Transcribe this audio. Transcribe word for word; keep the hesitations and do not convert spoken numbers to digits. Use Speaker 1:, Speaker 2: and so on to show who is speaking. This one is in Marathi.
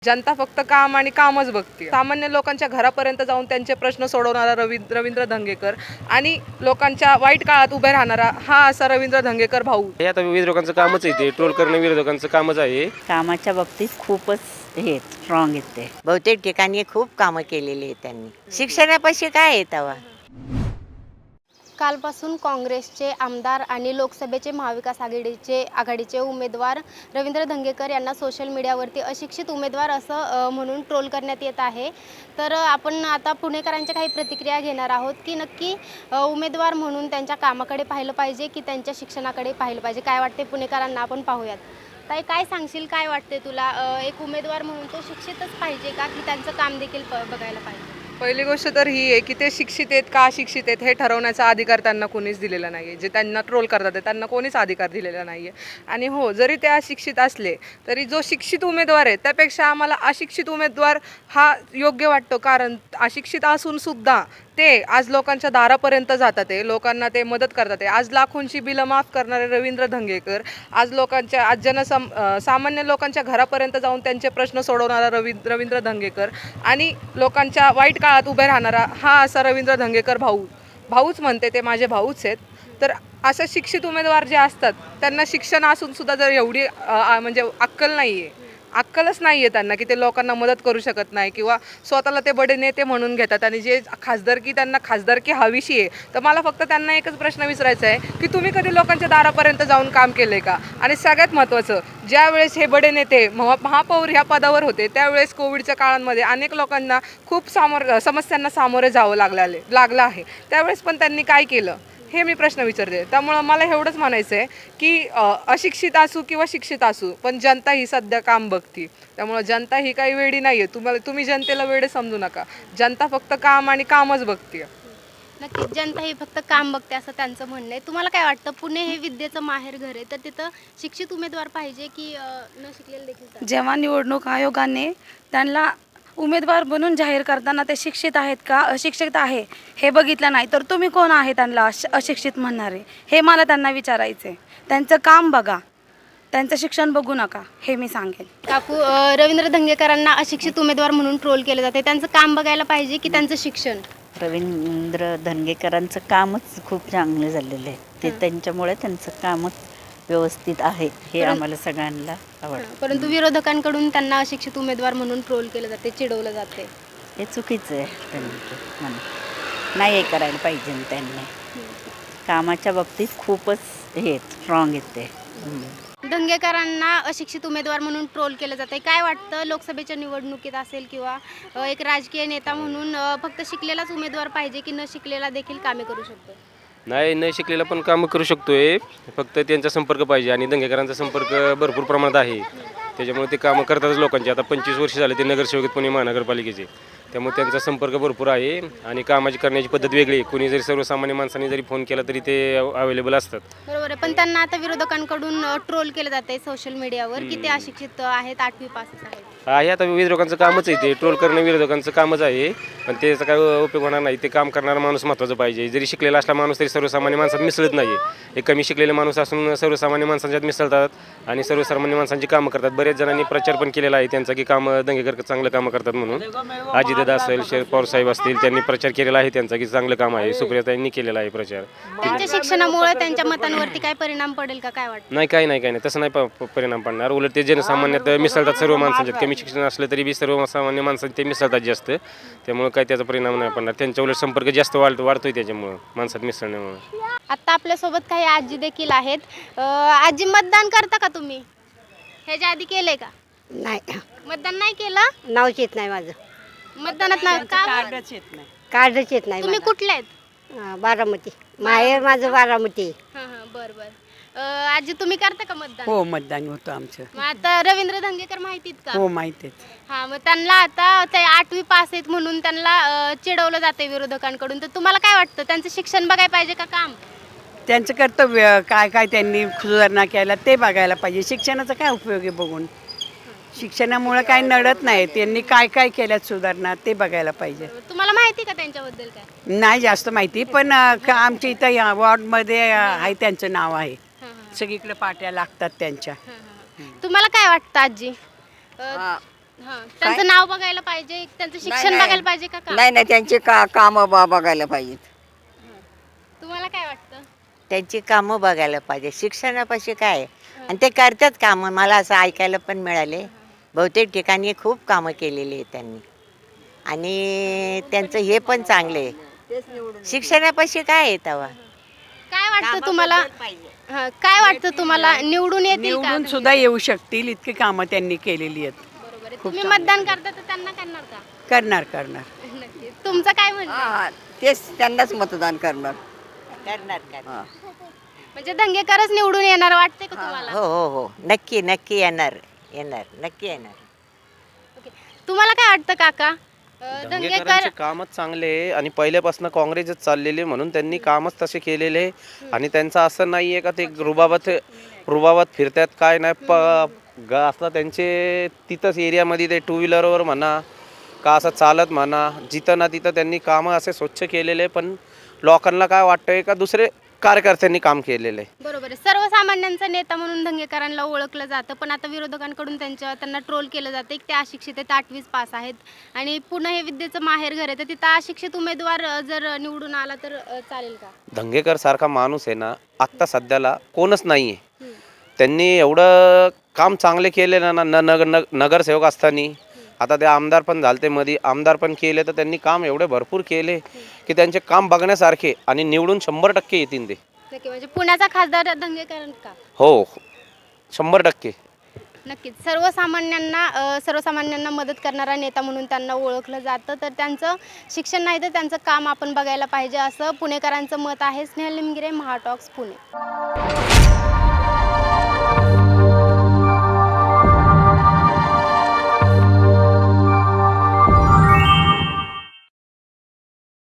Speaker 1: जनता फक्त काम आणि कामच बघते। सामान्य लोकांच्या घरापर्यंत जाऊन त्यांचे प्रश्न सोडवणारा रवी रवींद्र धंगेकर आणि लोकांच्या वाईट काळात उभे राहणारा हा असा रवींद्र धंगेकर भाऊ।
Speaker 2: हे आता विरोधकांचं कामच आहे, ते ट्रोल करणं विरोधकांचं कामच आहे।
Speaker 3: कामाच्या बाबतीत खूपच हे स्ट्रॉंग आहेत ते।
Speaker 4: बहुतेक ठिकाणी खूप कामं केलेली आहेत त्यांनी। शिक्षणापाशी काय आहे तेव्हा?
Speaker 5: कालपासून काँग्रेसचे आमदार आणि लोकसभेचे महाविकास आघाडीचे आघाडीचे उमेदवार रवींद्र धंगेकर यांना सोशल मीडियावरती अशिक्षित उमेदवार असं म्हणून ट्रोल करण्यात येत आहे। तर आपण आता पुणेकरांच्या काही प्रतिक्रिया घेणार आहोत की नक्की उमेदवार म्हणून त्यांच्या कामाकडे पाहिलं पाहिजे की त्यांच्या शिक्षणाकडे पाहिलं पाहिजे, काय वाटते पुणेकरांना आपण पाहूयात। ताई, काय सांगशील, काय वाटते तुला, एक उमेदवार म्हणून तो शिक्षितच पाहिजे का की त्यांचं काम देखील बघायला पाहिजे?
Speaker 1: पहिली गोष्ट तर ही आहे की ते शिक्षित आहेत का अशिक्षित आहेत हे ठरवण्याचा अधिकार त्यांना कोणीच दिलेला नाही आहे। जे त्यांना ट्रोल करतात त्यांना कोणीच अधिकार दिलेला नाही आहे। आणि हो, जरी ते अशिक्षित असले तरी जो शिक्षित उमेदवार आहे त्यापेक्षा आम्हाला अशिक्षित उमेदवार हा योग्य वाटतो, कारण अशिक्षित असून सुद्धा ते आज लोकांच्या दारापर्यंत जातात, ते लोकांना ते मदत करतात। आज लाखोंची बिलं माफ करणारे रवींद्र धंगेकर आज लोकांच्या आज जनसम सामान्य लोकांच्या घरापर्यंत जाऊन त्यांचे प्रश्न सोडवणारा रवी रवींद्र धंगेकर आणि लोकांच्या वाईट काळात उभे राहणारा हा असा रवींद्र धंगेकर भाऊ भाऊच म्हणते, ते माझे भाऊच आहेत। तर असे शिक्षित उमेदवार जे असतात त्यांना शिक्षण असून सुद्धा जर एवढी म्हणजे अक्कल नाही आहे अक्कलच नाही आहे त्यांना की ते लोकांना मदत करू शकत नाही किंवा स्वतःला ते बडे नेते म्हणून घेतात। आणि जे खासदारकी त्यांना खासदारकी हवीशी आहे, तर मला फक्त त्यांना एकच प्रश्न विचारायचा आहे की तुम्ही कधी लोकांच्या दारापर्यंत जाऊन काम केलं आहे का? आणि सगळ्यात महत्त्वाचं, ज्यावेळेस हे बडे नेते महा महापौर ह्या पदावर होते त्यावेळेस कोविडच्या काळामध्ये अनेक लोकांना खूप सामोर समस्यांना सामोरे जावं लागले लागलं आहे, त्यावेळेस पण त्यांनी काय केलं हे मी प्रश्न विचारते। त्यामुळं मला एवढंच म्हणायचं आहे की अशिक्षित असू किंवा शिक्षित असू पण जनता ही सध्या काम बघती। त्यामुळं जनता ही काही वेडी नाही आहे, तुम्हाला तुम्ही जनतेला वेडे समजू नका। जनता फक्त काम आणि कामच बघते।
Speaker 5: नक्कीच जनता ही फक्त काम बघते असं त्यांचं म्हणणं आहे। तुम्हाला काय वाटतं, पुणे हे विद्येचं माहेर घर आहे, तर तिथं शिक्षित उमेदवार पाहिजे की न शिकलेले देखील?
Speaker 6: जेव्हा निवडणूक आयोगाने त्यांना उमेदवार बनून जाहीर करताना ते शिक्षित आहेत का अशिक्षित आहे हे बघितलं नाही, तर तुम्ही कोण आहे त्यांना अशिक्षित म्हणणारे हे मला त्यांना विचारायचे। त्यांचं काम बघा, त्यांचं शिक्षण बघू नका, हे मी सांगेन।
Speaker 5: काकू, रवींद्र धंगेकरांना अशिक्षित उमेदवार म्हणून ट्रोल केलं जाते, त्यांचं काम बघायला पाहिजे की त्यांचं शिक्षण?
Speaker 3: रवींद्र धंगेकरांचं कामच खूप चांगले झालेलं आहे, ते त्यांच्यामुळे त्यांचं कामच व्यवस्थित आहे हे आम्हाला सगळ्यांना आवडतं।
Speaker 5: परंतु विरोधकांकडून त्यांना अशिक्षित उमेदवार म्हणून ट्रोल केलं जाते, चिडवलं जाते,
Speaker 3: हे चुकीचं आहे। त्यांनी नाही हे करायला पाहिजे। त्यांनी कामाच्या बाबतीत खूपच हे स्ट्रॉंग आहेत ते।
Speaker 5: धंगेकरांना अशिक्षित उमेदवार म्हणून ट्रोल केलं जाते, काय वाटतं, लोकसभेच्या निवडणुकीत असेल किंवा एक राजकीय नेता म्हणून फक्त शिकलेलाच उमेदवार पाहिजे की न शिकलेला देखील कामे करू शकतो?
Speaker 2: नाही, न शिकलेला पण कामं करू शकतोय, फक्त त्यांचा संपर्क पाहिजे। आणि धंगेकरांचा संपर्क भरपूर प्रमाणात आहे, त्याच्यामुळे ते कामं करतातच लोकांचे। आता पंचवीस वर्ष झाले ते नगरसेवक पुणे महानगरपालिकेचे, त्यामुळे त्यांचा संपर्क भरपूर आहे आणि कामाची करण्याची पद्धत वेगळी आहे। कोणी जरी सर्वसामान्य माणसांनी जरी फोन केला तरी ते अवेलेबल असतात।
Speaker 5: बरोबर आहे, पण त्यांना आता विरोधकांकडून ट्रोल केलं जाते सोशल मीडियावर की ते अशिक्षित आहेत, आठवी पासच आहेत।
Speaker 2: आहे, आता विरोधकांचं कामच आहे, ते ट्रोल करणं विरोधकांचं कामच आहे, पण त्याचा काय उपयोग होणार नाही। ते काम करणारा माणूस महत्त्वाचा पाहिजे। जरी शिकलेला असला माणूस तरी सर्वसामान्य माणसात मिसळत नाही आहे। एक कमी शिकलेले माणूस असून सर्वसामान्य माणसांच्यात मिसळतात आणि सर्वसामान्य माणसांची कामं करतात। बरेच जणांनी प्रचार पण केलेला आहे त्यांचा की कामं धंगेकर चांगलं कामं करतात म्हणून। अजितदादा असेल, शरद पवार साहेब असतील, त्यांनी प्रचार केलेला आहे त्यांचा की चांगलं काम आहे। सुप्रियाताईंनी केलेला आहे प्रचार।
Speaker 5: त्यांच्या शिक्षणामुळे त्यांच्या मतांवरती काय परिणाम पडेल का, काय वाटतं?
Speaker 2: नाही, काही नाही काही नाही तसं नाही परिणाम पडणार। उलट ते जनसामान्यात मिसळतात सर्व माणसांच्यात। कमी शिक्षण असलं तरी बी सर्वसामान्य माणसांचे ते मिसळतात जास्त, त्यामुळे काही त्याचा परिणाम नाही पडणार। त्यांच्या उलट संपर्क जास्त वाढ वाढतोय त्याच्यामुळं, माणसात मिसळण्यामुळे।
Speaker 5: आता आपल्यासोबत काही आजी देखील आहेत। आजी, मतदान करता का तुम्ही? ह्याच्या आधी केलंय का?
Speaker 7: नाही,
Speaker 5: मतदान नाही केलं?
Speaker 7: नावच येत नाही माझं,
Speaker 5: मतदानात नाव का?
Speaker 6: कार्डच येत नाही।
Speaker 7: कार्डच येत नाही
Speaker 5: तुम्ही
Speaker 7: मला.
Speaker 5: कुठले आहेत?
Speaker 7: हा, बारामती माहेर माझं बारामती।
Speaker 5: हां हां, बरं बरं। आजी, तुम्ही करता का मतदान?
Speaker 6: हो, मतदान होतं आमचं।
Speaker 5: मग आता रवींद्र धंगेकर माहितीत का?
Speaker 6: हो, माहिती आहे।
Speaker 5: हां, मग त्यांना आता ते आठवी पास आहेत म्हणून त्यांना चिडवलं जाते विरोधकांकडून, तर तुम्हाला काय वाटतं, त्यांचं शिक्षण बघायला पाहिजे का काम?
Speaker 6: त्यांचं कर्तव्य काय काय त्यांनी सुधारणा केल्या ते बघायला पाहिजे। शिक्षणाचा काय उपयोग आहे बघून? शिक्षणामुळे काय नडत नाही, त्यांनी काय काय केल्यात सुधारणा ते बघायला पाहिजे।
Speaker 5: तुम्हाला माहिती का त्यांच्याबद्दल काय?
Speaker 6: नाही जास्त माहिती, पण आमच्या इथं या वॉर्डमध्ये आहे, त्यांचं नाव आहे, सगळीकडे पाट्या लागतात त्यांच्या।
Speaker 5: तुम्हाला काय वाटतं आजी? हां. त्यांचं नाव बघायला पाहिजे, त्यांचं शिक्षण बघायला पाहिजे का काम?
Speaker 8: नाही नाही त्यांची का कामं बा बघायला पाहिजेत.
Speaker 5: तुम्हाला काय वाटतं?
Speaker 4: त्यांची कामं बघायला पाहिजे. शिक्षणापाशी काय आहे? आणि ते करतात कामं. मला असं ऐकायला पण मिळाले. बहुतेक ठिकाणी खूप कामं केलेली आहेत त्यांनी आणि त्यांचं हे पण चांगलं आहे. शिक्षणापाशी काय आहे तेव्हा?
Speaker 5: काय वाटतं तुम्हाला? हां, काय वाटतं तुम्हाला निवडून येतील का?
Speaker 9: निवडून सुद्धा येऊ शकतील इतकी कामं त्यांनी केलेली आहेत.
Speaker 5: बरोबर आहे. तुम्ही मतदान करता तर त्यांना करणार का?
Speaker 9: करणार करणार
Speaker 5: नक्कीच. तुमचं काय म्हणणं आहे?
Speaker 8: हा, तेच त्यांनाच मतदान करणार.
Speaker 4: करणार करणार.
Speaker 8: हा.
Speaker 5: म्हणजे दंगेकरच निवडून येणार वाटते का तुम्हाला?
Speaker 4: हो हो हो नक्की नक्की येणार येणार नक्की येणार.
Speaker 5: ओके. तुम्हाला काय वाटतं काका? अं, दंगेकर
Speaker 10: दंगेकरांचे कामच चांगले आहे आणि पहिल्यापासून काँग्रेसच चाललेले म्हणून त्यांनी कामच तसे केलेले आहे. आणि त्यांचं असं नाही आहे का ते रुबाबात रुबाबात फिरतात काय नाही. प ग असं त्यांचे तिथंच एरियामध्ये ते टू व्हीलरवर म्हणा का असं चालत म्हणा जिथं ना तिथं त्यांनी कामं असे स्वच्छ केलेले. पण लोकांना काय वाटतंय का दुसरे कार्यकर्त्यांनी काम केलेलं आहे.
Speaker 5: बरोबर आहे. सर्वसामान्यांचा नेता म्हणून दंगेकरांना ओळखलं जातं, पण आता विरोधकांकडून त्यांच्या त्यांना ट्रोल केलं जातं की ते अशिक्षित आहेत, आठवीस पास आहेत आणि पुणे हे विद्येचं माहेर घर आहे, तर तिथं अशिक्षित उमेदवार अ, जर निवडून आला तर अ, चालेल का?
Speaker 10: दंगेकर सारखा माणूस आहे ना आत्ता सध्याला कोणच नाही आहे. त्यांनी एवढं काम चांगले केले ना न नग नग नगरसेवक असताना आता ते आमदार पण झालते मध्ये आमदार पण केले तर त्यांनी काम एवढे भरपूर केले की त्यांचे काम बघण्यासारखे आणि निवडून शंभर टक्के येतील ते.
Speaker 5: नक्की. म्हणजे पुण्याचा खासदार दंगेकर का?
Speaker 10: हो शंभर टक्के.
Speaker 5: नक्कीच. सर्वसामान्यांना अ, सर्वसामान्यांना मदत करणारा नेता म्हणून त्यांना ओळखलं जातं, तर त्यांचं शिक्षण नाही तर त्यांचं काम आपण बघायला पाहिजे असं पुणेकरांचं मत आहे. स्नेहल निमगिरे, महाटॉक्स, पुणे.